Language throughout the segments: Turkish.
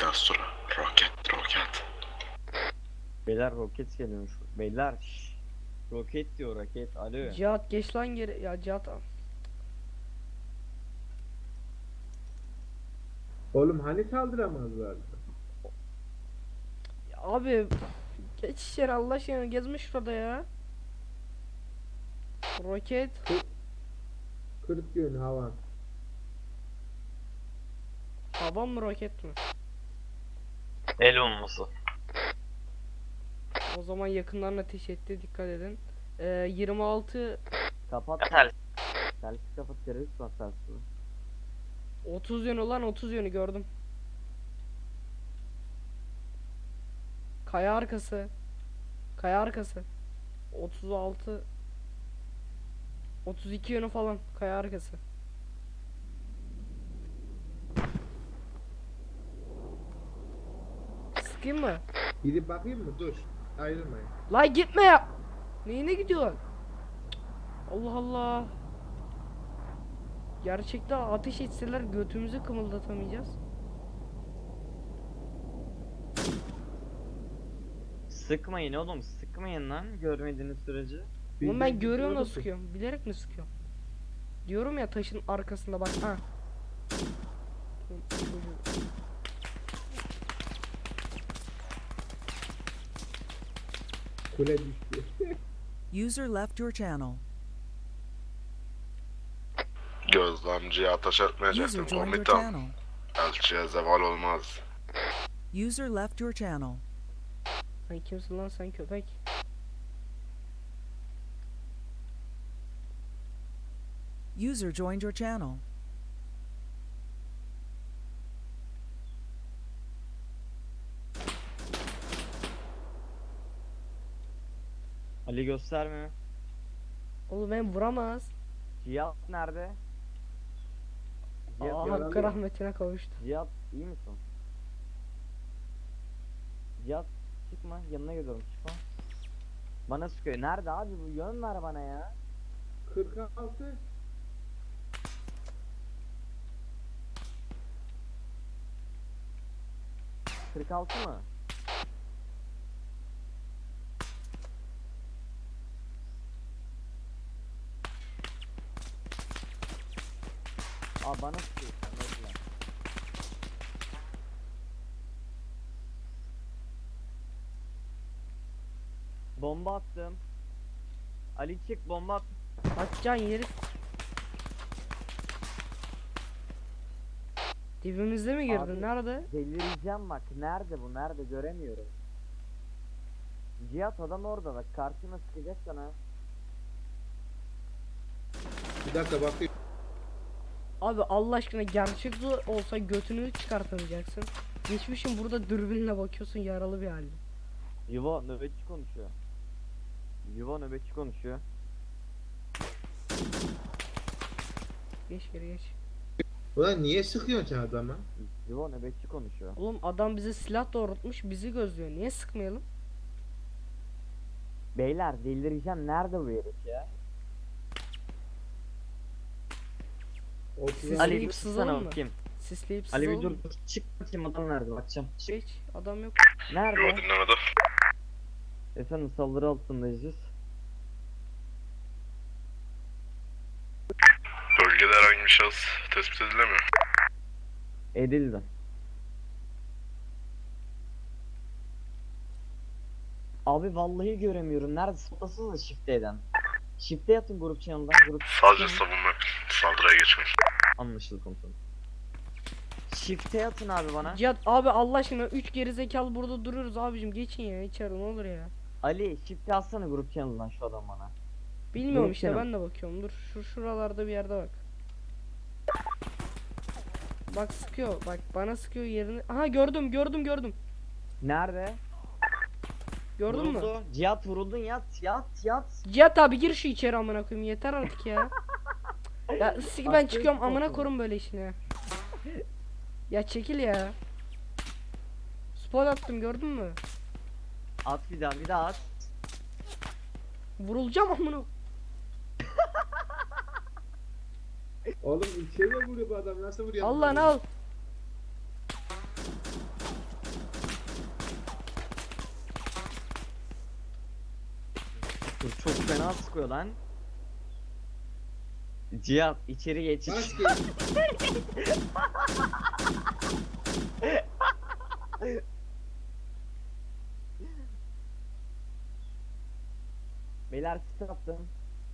Astura. Roket. Beyler roket geliyormuş. Beyler roket diyor roket. Alo. Cihat geç lan geri. Ya Cihat al. Oğlum hani saldıramazlardı? Ya abi geç içeri Allah aşkına gezme şurada ya. Roket. 40 gün havan. Hava mı roket mi? El olması. O zaman yakından ateş etti, dikkat edin. 26 Kapat. Telsiz kapat, terörist var telsizi. 30 yönü lan, 30 yönü gördüm. Kaya arkası. Kaya arkası. 36 32 yönü falan kaya arkası. Sıkayım mı? Gidip bakayım mı? Dur. Ayrılmayın. La gitme ya. Neyine gidiyorsun? Allah Allah. Gerçekten ateş etseler götümüzü kımıldatamayacağız. Sıkmayın oğlum, sıkmayın lan görmediğiniz sürece. Oğlum ben Bildiğin görüyorum da gibi sıkıyorum. Bilerek mi sıkıyorum? Diyorum ya taşın arkasında bak ha. Çocuğu. Kule düştü. User left your channel. Gözlemciye ateş User etmeyecektim joined your komutan. channel. Elçiye zeval olmaz. User left your channel. Sen kimsin lan sen köpek? User joined your channel. Ali gösterme. Oğlum ben vuramaz. Cihat nerede? Cihat, Aa, yaralı. hakkı rahmetine kavuştu. Cihat iyi misin? Cihat çıkma, yanına geliyorum, çıkma. Bana sıkıyor. Nerede abi bu? Yön ver bana ya. 46. ...46 mı? Aa bana sıkıyor. Bekle. Bomba attım. Ali çık, bomba at. Kaçcan yeri. Dibimizde mi girdin? Abi- Nerede? Delireceğim bak. Nerede bu? Nerede? Göremiyorum. Cihat adam orada bak. Karşına sıkacak sana. Bir dakika bakayım. Abi Allah aşkına gerçekte olsa götünü çıkartamayacaksın. Geçmişin burada dürbünle bakıyorsun yaralı bir halde. Yuva nöbetçi konuşuyor. Yuva nöbetçi konuşuyor. Geç geri geç. Ulan niye sıkıyorsun sen adama? Yuva nöbetçi konuşuyor. Oğlum adam bize silah doğrultmuş bizi gözlüyor. Niye sıkmayalım? Beyler delireceğim. Nerede bu herif ya? Siz- Ali Sisleyip bir sızalım sana mı? bakayım. Sisleyip Ali bir sızalım dur. mı? Çık bakayım adam nerede? Bakacağım. Çık. Geç adam yok. Nerede? Dinlemede. Efendim saldırı altındayız. Bölgede herhangi bir şahıs tespit edilemiyor. Edildi. Abi vallahi göremiyorum. Nerede? Sıplasınız da shift'e eden. Shift'e yatın grup channel'dan. Grup Sadece savunma yapın. Saldırıya geçmeyin. anlaşıldı komutanım. Shift'e yatın abi bana. Cihat abi Allah aşkına 3 geri zekalı burada duruyoruz abicim geçin ya içeri ne olur ya. Ali shift'e atsana grup channel'dan şu adam bana. Bilmiyorum Yok işte canım. ben de bakıyorum dur şuralarda bir yerde bak. Bak sıkıyor bak bana sıkıyor yerini. Aha gördüm. Nerede? Gördün mü? Vuruldu. Cihat vuruldun, yat. Cihat abi gir şu içeri amına koyayım yeter artık ya. Ya ben Aferin çıkıyorum amına olsun. korum böyle işine. Ya çekil ya. Spot attım gördün mü? At bir daha at. Vurulacağım amına. Oğlum içeri vuruyor bu adam. Nasıl vuruyor? Al lan al. çok fena sıkıyor lan. Cihat içeri geç. Bas geç. Beyler sit attım.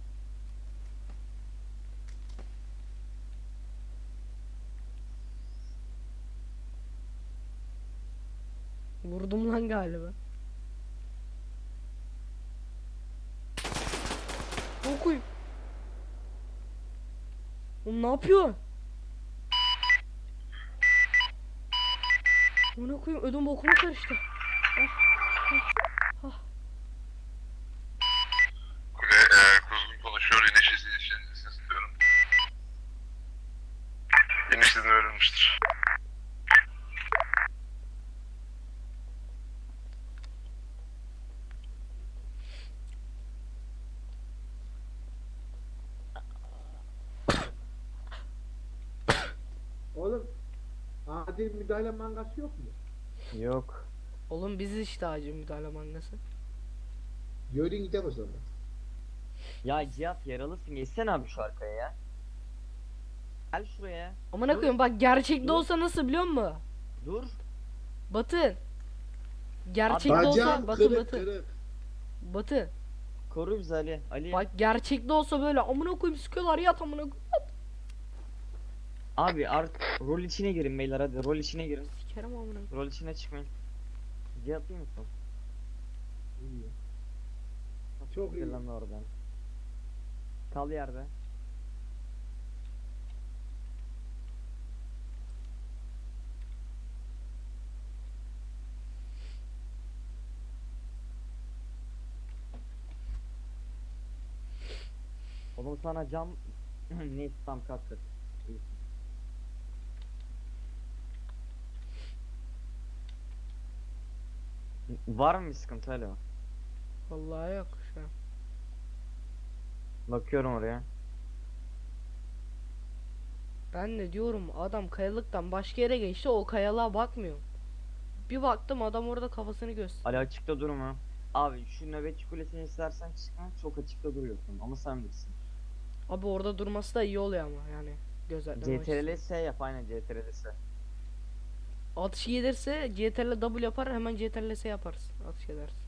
Vurdum lan galiba. Okuyum. Oğlum ne yapıyor? Onu okuyum. Ödüm bokuma karıştı. Kule kuzgun konuşuyor. İniş izni istiyorum. İniş izni verilmiştir. Oğlum adil müdahale mangası yok mu? Yok. Oğlum biz işte acil müdahale mangası. Yürüyün gidelim o zaman. Ya Cihat yaralısın. Geçsene abi şu arkaya ya. Gel şuraya. Amına Dur. koyayım bak gerçekte Dur. olsa nasıl biliyor musun? Dur. Batı. Gerçekte olsa Bacağım Batı kırık Batı. kırık. Batı. Koru bizi Ali. Ali. Bak gerçekte olsa böyle amına koyayım sıkıyorlar yat amına koyayım. Abi artık rol içine girin beyler hadi. Rol içine girin. Sikerim amına koyayım. Rol içine çıkmayın. Cihat iyi misin? İyi. Çok iyi. Lan oradan. Kal yerde. Oğlum sana cam neyse tam kalk kalk. İyi. Var mı bir sıkıntı hala? Vallahi yok şu an. Bakıyorum oraya. Ben de diyorum adam kayalıktan başka yere geçti o kayalığa bakmıyor. Bir baktım adam orada kafasını göster. Ali açıkta durma. Abi şu nöbetçi kulesini istersen çıkma, çok açıkta duruyorsun ama sen bilirsin. Abi orada durması da iyi oluyor ama yani gözetleme CTRL açısından. S yap aynen CTRL S. Atış gelirse CTRL W yapar hemen CTRL S yaparız. Atış edersin.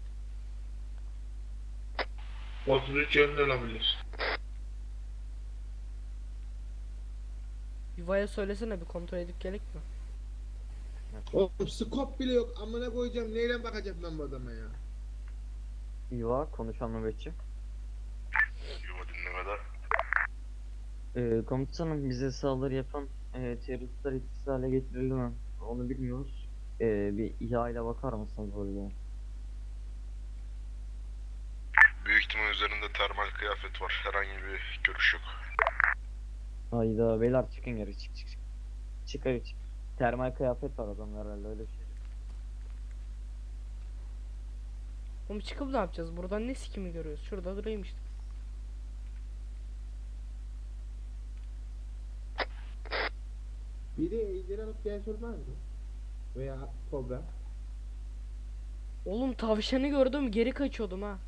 33 yönde olabilir. Yuvaya söylesene bir kontrol edip gelek mi? Oğlum scope bile yok. Amına koyacağım. Neyle bakacağım ben bu adama ya? Yuva konuşan nöbetçi. Yuva dinlemede. Komutanım bize saldırı yapan teröristler etkisiz hale getirildi mi? Onu bilmiyoruz. Bir İHA ile bakar mısınız oraya? Büyük ihtimal üzerinde termal kıyafet var. Herhangi bir görüş yok. Hayda beyler çıkın geri çık çık çık. Çık hadi çık. Termal kıyafet var adamlar herhalde öyle bir şey. Oğlum çıkıp ne yapacağız? Buradan ne sikimi görüyoruz? Şurada durayım işte. Biri ejderi alıp gel sormaz mı? Veya kobra. Oğlum tavşanı gördüm geri kaçıyordum ha.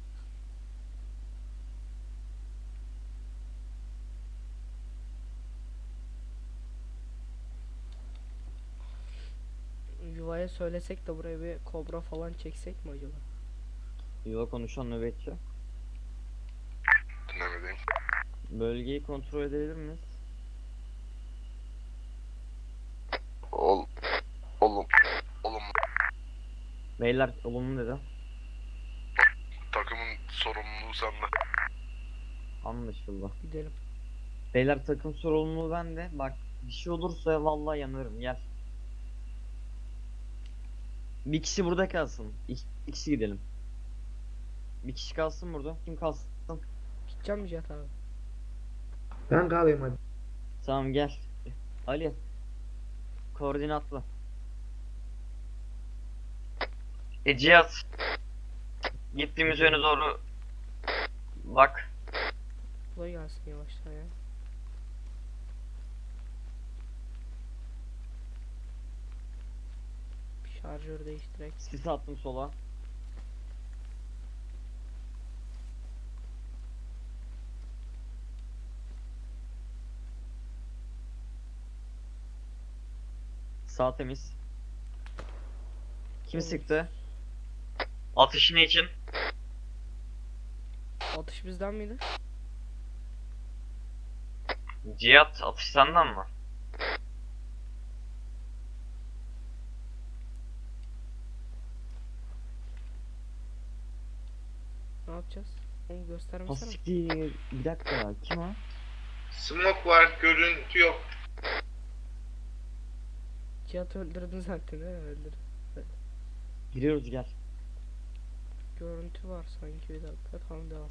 Yuvaya söylesek de buraya bir kobra falan çeksek mi acaba? Yuva konuşan nöbetçi. Dinlemedeyim. Bölgeyi kontrol edebilir miyiz? Oğlum. Oğlum. Beyler olumlu dedi. Takımın sorumluluğu sende. Anlaşıldı. Gidelim. Beyler takım sorumluluğu bende. Bak bir şey olursa vallahi yanarım gel. Bir kişi burada kalsın. İki kişi gidelim. Bir kişi kalsın burada. Kim kalsın? Gideceğim mi Cihat abi? Ben kalayım hadi. Tamam gel. Ali. Koordinatla. Cihat. Gittiğimiz yöne doğru bak. Kolay gelsin yavaştan ya. Bir şarjör değiştirek. Sis attım sola. Sağ temiz. Kim Olur. sıktı? Atışın için. Atış bizden miydi? Cihat atış senden mi? Ne yapacağız? Onu O göstermesene. siktir. Bir dakika ya. Kim o? Smoke var, görüntü yok. Cihat öldürdün zaten he öldürdün. Giriyoruz gel. Görüntü var sanki bir dakika tamam devam.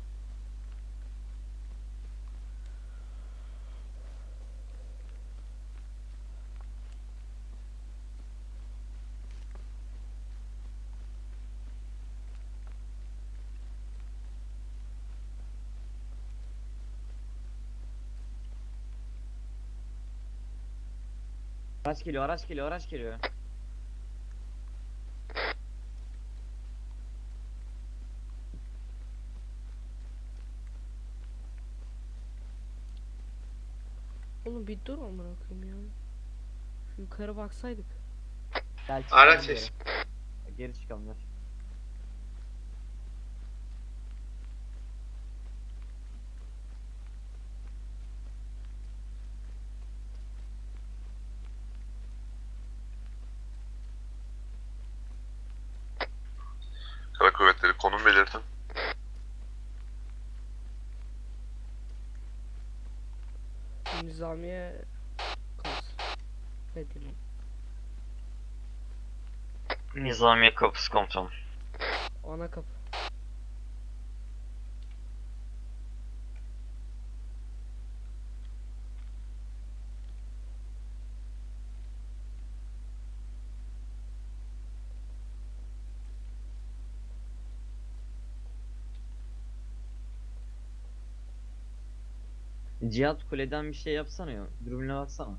Araç geliyor, araç geliyor, araç geliyor. Oğlum bir dur amına koyayım ya. Şu yukarı baksaydık. Gel Araç çıkalım ses. geri. Geri çıkalım gel. Kara kuvvetleri konum belirtin. Nizamiye kalsın. Ne diyeyim? Nizamiye kapısı komutanım. Ana kapı. Cihat kuleden bir şey yapsana ya. Dürbüne baksana.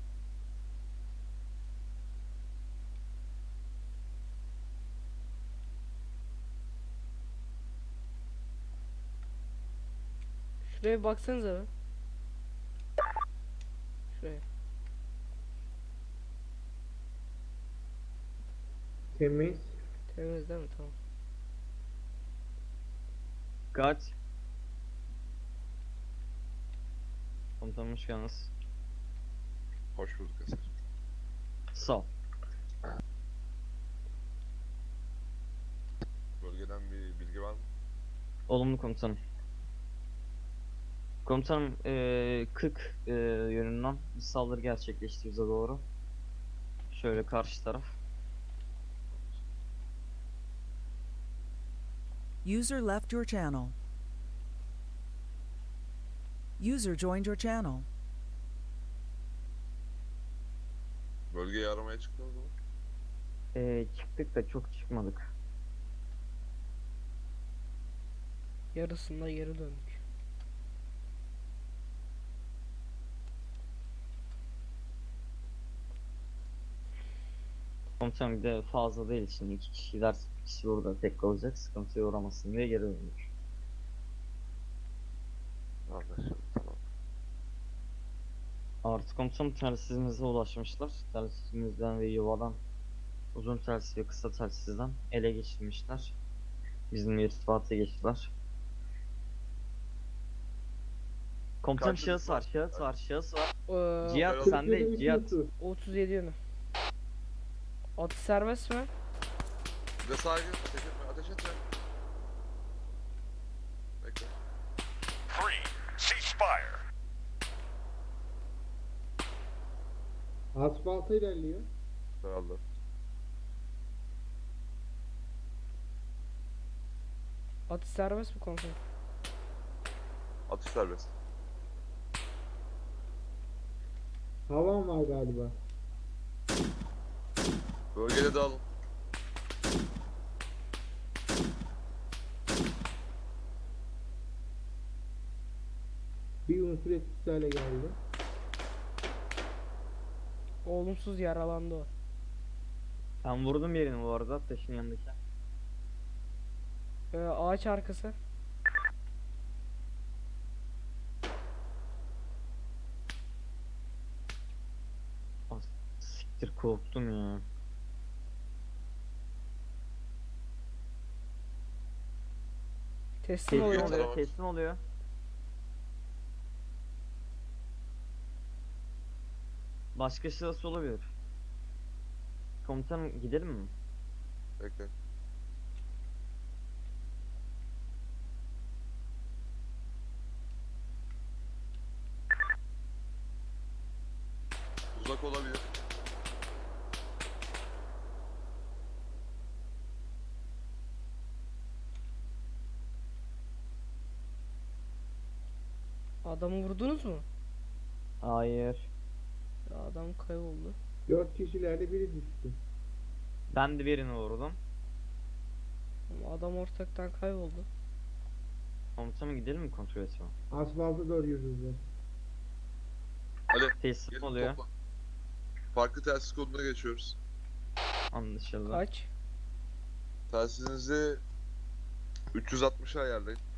Şuraya bir baksanıza be. Şuraya. Temiz. Temiz değil mi? Tamam. Kaç. Komutanım hoş geldiniz. Hoş bulduk Eser. Sağ ol. Bölgeden bir bilgi var mı? Olumlu komutanım. Komutanım 40 yönünden bir saldırı gerçekleşti bize doğru. Şöyle karşı taraf. User left your channel. User joined your channel. Bölgeyi aramaya çıktınız mı? Çıktık da çok çıkmadık. Yarısında geri döndük. Komutanım bir de fazla değil şimdi 2 kişi giderse bir kişi burada tek kalacak sıkıntıya uğramasın diye geri döndük. Anlaşıldı, tamam. Artı komutanım telsizimize ulaşmışlar. Telsizinizden ve yuvadan uzun telsiz ve kısa telsizden ele geçirmişler. Bizimle irtibata geçtiler. Komutanım Kaçtı şahıs bizim? var, şahıs var, şahıs var. Cihat Cihat sende, Cihat. 37 yönü. Atış serbest mi? Bir de sağa gir, ateş etme, ateş etme. Bekle. Asfalta ilerliyor. Herhalde. Atış serbest mi komutanım? Atış serbest. Havan var galiba. Bölgede dağılın. Bir unsur etkisiz hale geldi. Olumsuz yaralandı o. Ben vurdum yerini bu arada taşın yanındaki. Ağaç arkası. Siktir korktum ya. Teslim Teslim oluyor. Tamam. oluyor, teslim oluyor. Başka sırası olabilir. Komutanım gidelim mi? Bekle. Uzak olabilir. Adamı vurdunuz mu? Hayır. Ya adam kayboldu. 4 kişilerde biri düştü. Ben de birini vurdum. Ama adam ortaktan kayboldu. Komutanım gidelim mi kontrol etmeye? Asfalta doğru yürüdüler. Hadi Teslim gelin oluyor. topla. Farklı telsiz koduna geçiyoruz. Anlaşıldı. Kaç? Telsizinizi 360'a ayarlayın.